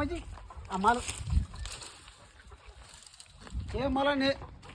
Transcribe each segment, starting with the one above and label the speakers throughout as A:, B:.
A: म्हणजे आम्हाला हे मला ने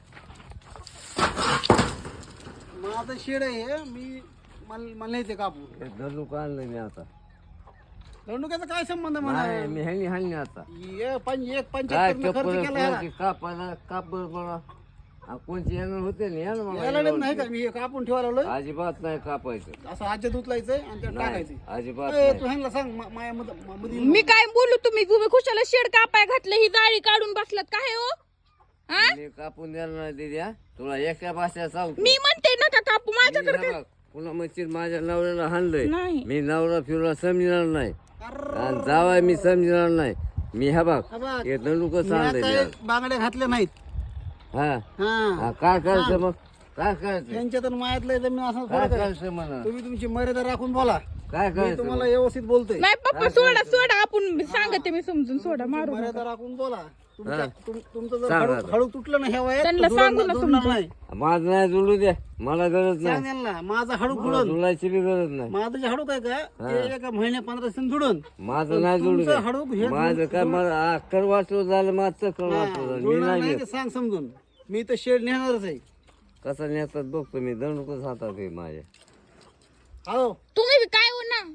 A: माझं शेड आहे मी मला नाही ते कापू
B: दंडूक आणलं मी आता.
A: दंडुक्याचा काय संबंध म्हणा
B: नाही मी ह्यांनी हाणली आता.
A: एक
B: काय
A: 75 खर्च केला ह्याला.
B: कापायला कापड बघा. कोणची येणार होते ना या ना
A: याला
B: मग.
A: नाही का मी हे कापून ठेवायला लावलोय.
B: अजिबात नाही कापायचं.
A: असं आज्यात उचलायचंय आणि त्यात टाकायचं.
B: अजिबात
A: ए,
B: नाही.
A: तू ह्यांना सांग माया मध्ये
C: मी काय बोलू तुम्ही तुम्ही खुशाला शेड कापाय घातलं ही जाळी काढून बसलात काय हो हा
B: मी कापून द्यायला नाही दिद्या. तुला एका भाषा सांगतो.
C: मी म्हणते नका कापू माझ्याकडे
B: मी हे बघ, पुन्हा म्हणशील माझ्या नवऱ्याला हाणलंय.
C: नाही.
B: मी नवरा फिरला समजणार नाही
A: अर्र,
B: आणि जावाय मी समजणार नाही. मी हा बघ
A: हा बघ.
B: हे दंडूक
A: मी
B: सांगलंय
A: आता बांगड्या घातल्या नाहीत.
B: हा
A: हा
B: हा, काय करायचं मग काय करायचं
A: त्यांच्यात आणि मायातलं जमीन असं
B: काय
A: फरक आहे.
B: करायचं म्हणा
A: तुम्ही तुमची मर्यादा राखून बोला.
B: काय
A: मी
B: करायचं
A: तुम्हाला व्यवस्थित बोलतोय.
C: नाही पप्पा सोडा सोडा आपण सांगते मी समजून सोडा मारू नका.
A: मर्यादा राखून बोला.
B: हा.
A: तुमचं जर
B: सांग
A: हळू
B: आता.
A: हळू तुटलं ना ह्या वयात
C: त्यांना
A: तर
C: सांगू
A: जुळणार
C: ना
A: जुळणार
C: समजून.
A: नाही.
B: माझं नाही जुळू द्या मला गरज
A: सांग
B: नाही
A: यांना माझा हळू
B: मला
A: जुळून
B: जुळायची बी गरज नाही
A: माझं जे हडूक आहे का ते एका महिन्या 15 दिवसांनी जुळून
B: माझं नाही जुळू
A: तुमचं
B: द्या
A: हडूक हे
B: माझं काय मला अक्कर वाचलं झालं माझं चक्कर वाचलं झालं मी
A: जुळणार
B: नाही
A: नाही
B: घेत.
A: ते सांग समजून. मी तर शेड नेणारच आहे.
B: कसं नेतात बघतो मी दंडूकच हातात आहे माझ्या.
A: हॅलो
C: तुम्ही बी काय हो ना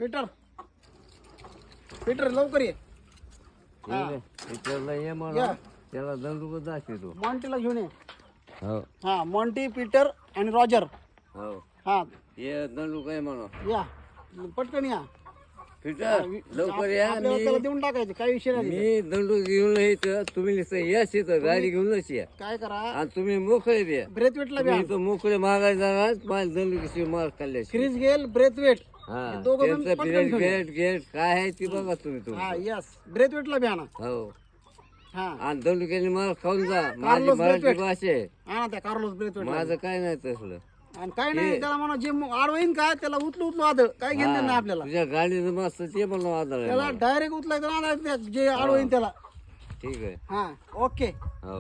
A: पीटर लवकर ये.
B: विचारला ये म्हणा
A: या.
B: त्याला दंडूकच दाखवतो.
A: मॉन्टीला घेऊन ये.
B: हो
A: हा मॉन्टी पीटर आणि रॉजर.
B: हो
A: हा
B: ये दंडूक आहे म्हणा
A: या पटकन या.
B: फिटर लवकर या.
A: आपल्याला त्याला देऊन टाकायचं काही विषय नाही.
B: मी दंडूक घेऊन यायचं तुम्ही नुसतं याच इथं गाडी घेऊनच या
A: काय करा
B: आणि तुम्ही मोकळे द्या.
A: ब्रेथवेटला
B: तुम्ही
A: घ्या.
B: इथं मोकळे मागायला जाणार माझ्या दंडुकीशी मार खाल्ल्याशी.
A: क्रिस गेल ब्रेथवेट
B: हा
A: दोघं जण
B: त्यांचं
A: पटकन
B: पिरियड
A: घेऊन या.
B: गेट गेट काय आहे ती बघा तुम्ही
A: हा
B: तुम्ही.
A: यस ब्रेथवेटला बी आणा.
B: हो
A: हा
B: आणि दंडुक्याने मार खाऊन जा. माझी
A: कार्लोस
B: मराठी
A: ब्रेथवेट.
B: भाषा आहे
A: आणा त्या कार्लोस ब्रेथवेट.
B: माझं काय नाही तसलं.
A: आणि काय नाही त्याला म्हणा जे आडवईन काय त्याला उचलू आदळ काय घेणं नाही आपल्याला.
B: तुझ्या गाडीचं मस्त ते म्हणून आधार आहे
A: त्याला
B: मला.
A: डायरेक्ट उचलायचं ना जे आडवईन त्याला.
B: ठीक आहे
A: हा ओके
B: हो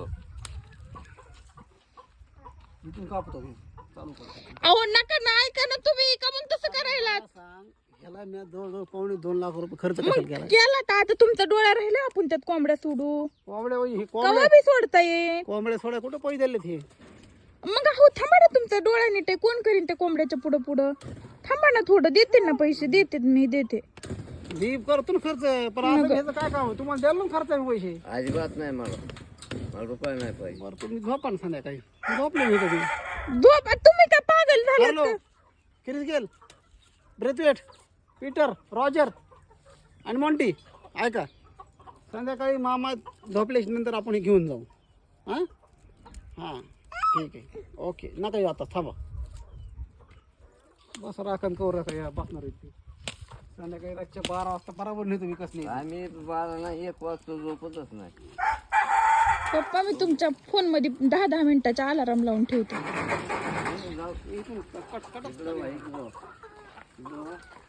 A: इथून कापतो मी. चालू करतो.
C: अहो नका ना ऐका ना तुम्ही का मग तसं करायला
A: सांग ह्याला मी जवळजवळ 2.5 लाख खर्च कशाला केला.
C: केला तर आता तुमचा डोळा राहिला आपण त्यात कोंबड्या सोडू
A: कोंबड्या हे
C: कवा बी सोडता ये
A: कोंबड्या सोड्या कुठं पैसे दिले ते.
C: मग हो थांबा ना तुमचा डोळा नीट आहे कोण करीन त्या कोंबड्याच्या पुढं पुढं थांबा ना थोडं देते ना पैसे देते मी देते
A: दीप करतो ना खर्च पण असं ह्याचं काय काम आहे? तुम्हाला द्यायला ना खर्च आहे पैसे.
B: अजिबात नाही मला रुपये नाही पाहिजे.
A: बरं तुम्ही झोपा ना संध्याकाळी. झोपले मी कधी.
C: झोप तुम्ही काय पागल झाले
A: hello Chris Gayle Brathwaite Peter Roger आणि मॉन्टी ऐका संध्याकाळी मामा झोपल्याच्या नंतर आपण हे घेऊन जाऊ. हां हां ठीक आहे ओके नका येऊ आता थांबा. बस राखण करू नका या बसणार आहेत ते. संध्याकाळी रातच्या 12 वाजता बरोबर नाही तुम्ही कसली.
B: आम्ही 12 नाही 1 वाजता झोपतच नाही.
C: पप्पा मी तुमच्या फोन मध्ये 10-10 मिनिटाचा अलार्म लावून ठेवते
A: इथून कट कट
B: इकडं